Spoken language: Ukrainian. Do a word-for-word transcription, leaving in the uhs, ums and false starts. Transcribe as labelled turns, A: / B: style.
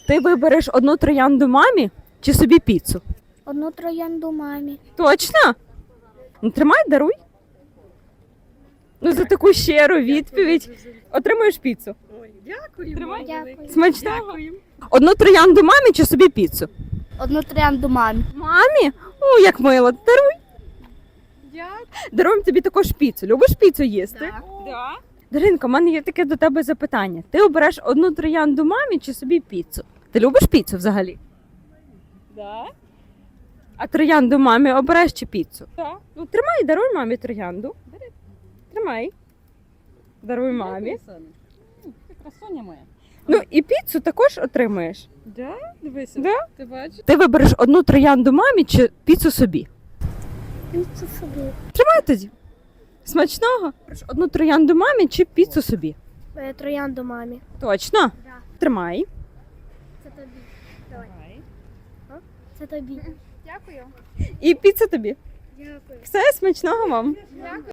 A: Ти вибереш одну троянду мамі чи собі піцу?
B: Одну троянду мамі.
A: Точно? Ну, тримай, даруй. Ну, за таку щиру відповідь отримуєш піцу.
C: Ой, дякую.
A: Тримай.
B: Дякую.
A: Смачного.
C: Дякую.
A: Одну троянду мамі чи собі піцу?
B: Одну троянду мамі.
A: Мамі? О, як мило. Даруй.
C: Дякую.
A: Даруємо тобі також піцу. Любиш піцу їсти?
C: Так. Да.
A: Даринко, в мене є таке до тебе запитання. Ти обереш одну троянду мамі чи собі піцу? Ти любиш піцу взагалі?
C: Да.
A: А троянду мамі обереш чи піцу?
C: Да.
A: Ну, тримай, даруй мамі троянду. Тримай. Даруй мамі.
C: Ти красуня моя.
A: Ну і піцу також отримаєш.
C: Да? Дивися.
A: Да?
C: Ти бачиш?
A: Ти вибереш одну троянду мамі чи піцу собі?
B: Піцу собі.
A: Тримай тоді. Смачного? Одну троянду мамі чи піцу собі?
B: Троянду мамі.
A: Точно?
B: Да.
A: Тримай.
B: Це тобі.
C: Давай.
B: Це тобі.
C: Дякую.
A: І піца тобі.
B: Дякую.
A: Все, смачного вам.
C: Дякую.